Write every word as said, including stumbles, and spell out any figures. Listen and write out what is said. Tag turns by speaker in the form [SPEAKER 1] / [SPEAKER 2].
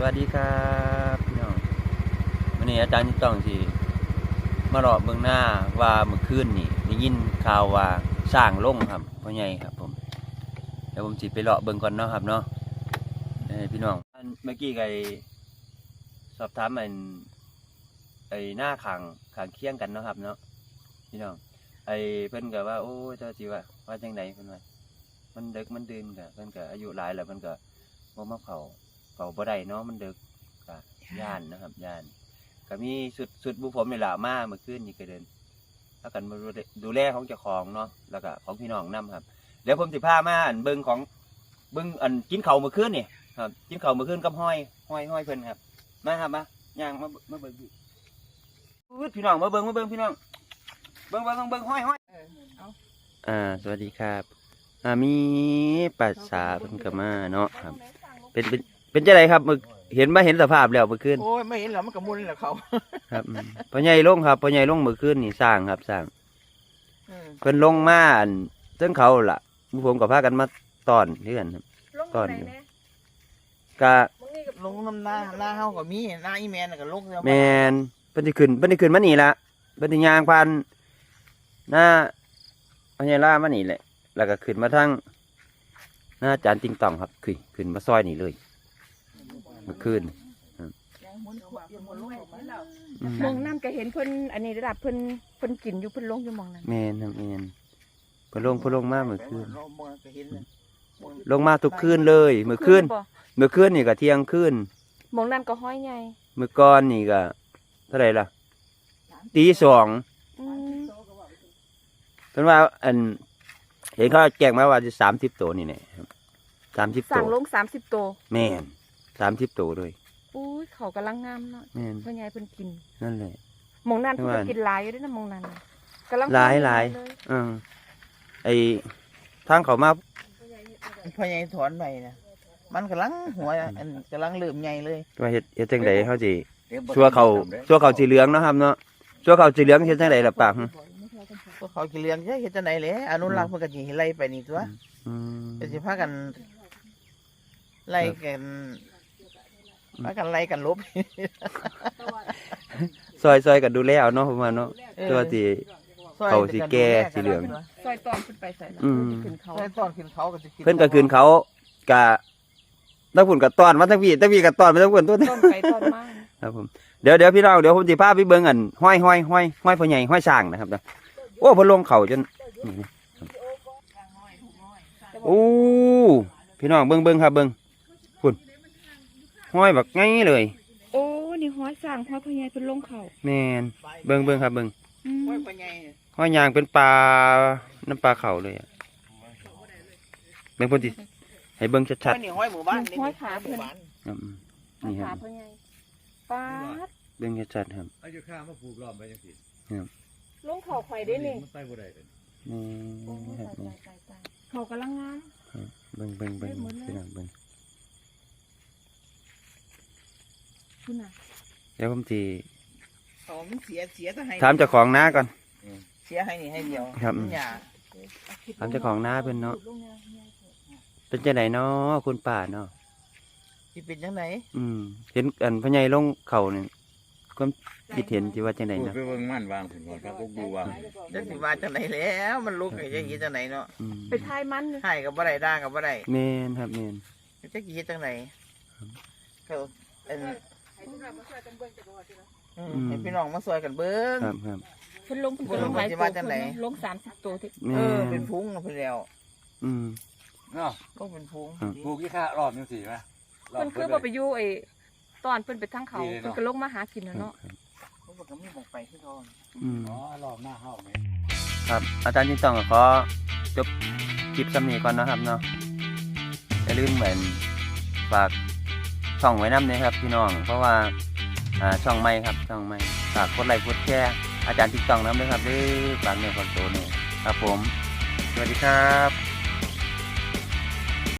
[SPEAKER 1] วัสดีครับพี่น้องวันนี้อาจารย์ที่ต้องที่มาหลอกเบื้องหน้าว่าเมื่อคืนนี่ได้ยินข่าวว่าสร้างลงครับพ่อใหญ่ครับผมเดี๋ยวผมจิไปเลาะเบื้องก่อนเนาะครับเนาะพี่น้องเมื่อกี้ไก่สอบถามมันไอ้หน้าขังขังเคียงกันเนาะครับเนาะพี่น้องไอ้เพิ่นก็ว่าโอ้เจ้าจีว่าว่าจังไดเพิ่นว่ามันเด็กมันดื่นกะเพิ่นก็อายุหลายแล้วเพิ่นก็บ่มาเผาเผาบ่ได้เนาะมันเด็กกะย่านนะครับย่านก็มีสุดสุดบุผมนี่แหละมาเมื่อคืนนี่ก็เดินแล้วกันมาดูแลของเจ้าของเนาะแล้วก็ของพี่น้องนำครับเดี๋ยวผมสิพามาอันเบิ่งของเบิ่งอันกินข้าวเมื่อคืนนี่ครับกินข้าวเมื่อคืนกับห้อยห้อยห้อยเพิ่นครับมาครับมาย่างมามาเบิ่งพี่น้องมาเบิ่งมาเบิ่งพี่น้องเบิ่งเบิ่งเบิ่งห้อยห้อยอ่าสวัสดีครับอ่ามีปัสสาเพิ่นก็มาเนาะครับเป็นเป็นเป็นจังไดครับมึกเห็นมาเห็นสภาพแล้วเมื่อคืน
[SPEAKER 2] โอ้ยไม่เห็นหรอมันกระมุนแหละเขา
[SPEAKER 1] ครับพ่อใหญ่ลงครับพ่อใหญ่ลงเมื่อคืนนี่สร้างครับสร้างเพิ่นลงมาเส้นเขาล่ะผมกับพากันมาตอนเพื่อนครับตอนกะ
[SPEAKER 2] ลงน้ำหน้าหน้าเฮาก็มีหน้าอีแมนก็ลง
[SPEAKER 1] แมนเพิ่นสิขึ้นเพิ่นสิขึ้นมานี่ละเพิ่นสิย่างผ่านหน้าพ่อใหญ่ล่ามานี่แหละแล้วก็ขึ้นมาทางหน้าจานติงต่องครับขึ้นขึ้นมาซอยนี่เลยเมื่อคืน
[SPEAKER 3] มองน้ำก็เห็นเพิ่นอันนี้ระดับเพิ่นเพิ่นกินอยู่เพิ่นลงอยู่มองนั้น
[SPEAKER 1] แมนครับแมนเพิ่นลงเพิ่นลงมาเมื่อคืนลงมาทุกคืนเลยเมื่อคืนเมื่อคืนนี่ก็เที่ยงคืน
[SPEAKER 3] มองนั่นก็ห้อยใหญ่
[SPEAKER 1] เมื่อก่อนนี่ก็เท่าไหร่ล่ะตีสองเพิ่นว่าอันเห็นเขาแจ้งมาว่าจะสามสิบตัวนี่แหละสามสิบตัว
[SPEAKER 3] สั่งลงสามสิบตัว
[SPEAKER 1] แม่นสามสิบตัวเลย
[SPEAKER 3] อุ้ยเขากำลังงามเนาะแม่นพ่อใหญ่เพิ่นกิน
[SPEAKER 1] นั่นแหละ
[SPEAKER 3] มองนั่นเพิ่นกินหลายอยู่ด้วยนะมองนั่นกำลัง
[SPEAKER 1] หลายหลายอือไอทางเขามา
[SPEAKER 2] พ่อใหญ่ถอนไปนะมันกำลังหัวอันกำลังเริ่มใหญ่เลย
[SPEAKER 1] ว่าเฮ็ดเฮ็ดจังไดเขาสิชั่วเขาชั่วเขาสีเหลืองเนาะครับเนาะชั่วเขาสีเหลืองเฮ็ดจังไดล่ะปาก
[SPEAKER 2] พวกเขากินเลี้ยงใช่เฮ็ดจังได๋แหละอนุรักษ์เพิ่นก็สิไล่ไปนี่ตัวอืมก็สิพากันไล่กันพากันไล่กันลบ
[SPEAKER 1] ซอยซอยกันดูแลเอาเนาะผมว่าเนาะตัวสิเขาสิแก่สีเหลือง
[SPEAKER 3] ซอยตอนขึ้นไปใส่ขึ้นเขา
[SPEAKER 2] ซอยตอนขึ้นเขาก็สิ
[SPEAKER 1] เพิ่นก็ขึ้นเขากะทั้งฝุ่นกับตอนมาทั้งพี่ทั้งพี่กับตอนมาทั้งฝุ่นตัวต้นไปต้นมาครับผมเดี๋ยวเดี๋ยวพี่น้องเดี๋ยวผมสิพาไปเบิ่งอันห้อยห้อยห้อยห้อยพ่อใหญ่ห้อยสร้างนะครับนะโอ้พอลงเข่าจนโอ้พี่น้องเบิ่งเบิ่งครับเบิ่งฝุ่นห้อยแบบง่ายเลย
[SPEAKER 3] โอ้นี่ห้อยสร้างห้อยพ่อใหญ่เป็นลงเข่า
[SPEAKER 1] แมนเบิ่งเบิ่งครับเบิ่ง
[SPEAKER 2] ห้อยพ่อใหญ่
[SPEAKER 1] ห้อยยางเป็นปลาน้ำปลาเข่าเลยอ่ะเบิ่งพุ่นดิให้เบิ่งชัด
[SPEAKER 2] ๆนี่ห้อยหมู่บ้าน
[SPEAKER 3] ห้อยขาเพิ่น
[SPEAKER 1] นี่ค
[SPEAKER 3] รับพ่อใหญ่ปาด
[SPEAKER 1] เบิ่งชัดๆครับ
[SPEAKER 4] อายุข้ามาปลูกล้อมไปจังซี่
[SPEAKER 1] ครับ
[SPEAKER 3] ลงเข่าไข่ได้นี่
[SPEAKER 4] มันไปบ่ได้เลย
[SPEAKER 1] นี่ครับนี่
[SPEAKER 3] เขากำลังงาน
[SPEAKER 1] เบิ่งเบิ่งเบิ่งพี่น้องเบิ่งเดี๋ยวผมทีถามเจ้าของน้าก่อน
[SPEAKER 2] เสียให้นี่ให้เดียว
[SPEAKER 1] ครับถามเจ้าของน้าเพิ่นเนาะเป็นจังไดเนาะคุณป้าเนาะ
[SPEAKER 2] ที่เป็นจังได
[SPEAKER 1] อืมเห็นอันพ่อใหญ่ลงเข่านี่ความคิดเห็นที่ว่าจังไดเนาะ
[SPEAKER 4] ไปเบิ่งมันวางผุนก่อนครับพวกดูวาง
[SPEAKER 2] จะสิว่าจังไดแล้วมันลุกไอ้จังซี่จังไดเนาะ
[SPEAKER 3] ไปทายมัน
[SPEAKER 2] ทายก็บ่ได้ด่าก็บ่ได้
[SPEAKER 1] แม่นครับแม่น
[SPEAKER 2] จักสิเฮ็ดจังไดก็เอ็นให้พี่น้องมาช่วยกันเบิ่ง
[SPEAKER 1] ครับครับ
[SPEAKER 3] เพิ่นลงเพิ่นลงหลายตัวลงสามสิบตัวที่
[SPEAKER 2] เออเป็นพุงเพิ่นแล้ว
[SPEAKER 1] อืม
[SPEAKER 4] เนาะ
[SPEAKER 2] ลงเป็นพุง
[SPEAKER 4] ปลูกกี่ค่ารอบจังซี่มั้ย
[SPEAKER 3] เพิ่นคือบ่ไปอยู่ไอ้ตอนเพิ่นไปทางเขาเพิ่นก็ลงมาหากินเนาะ
[SPEAKER 2] เพิ่นก็มีบ่ไปคือเขา
[SPEAKER 1] อืม
[SPEAKER 4] อ๋อรอบหน้าเฮาแม่
[SPEAKER 1] ครับอาจารย์ที่ต้องขอจบคลิปซ้ำนี้ก่อนนะครับเนาะอย่าลืมเหมือนฝากช่องไว้น้ำเนี่ยครับพี่น้องเพราะว่าอ่าช่องใหม่ครับช่องใหม่ฝากกดไลค์กดแชร์อาจารย์ติ๊กต็อกน้ำด้วยครับด้วยฝากเนื้อฝากตัวเนี่ยครับผมสวัสดีครับ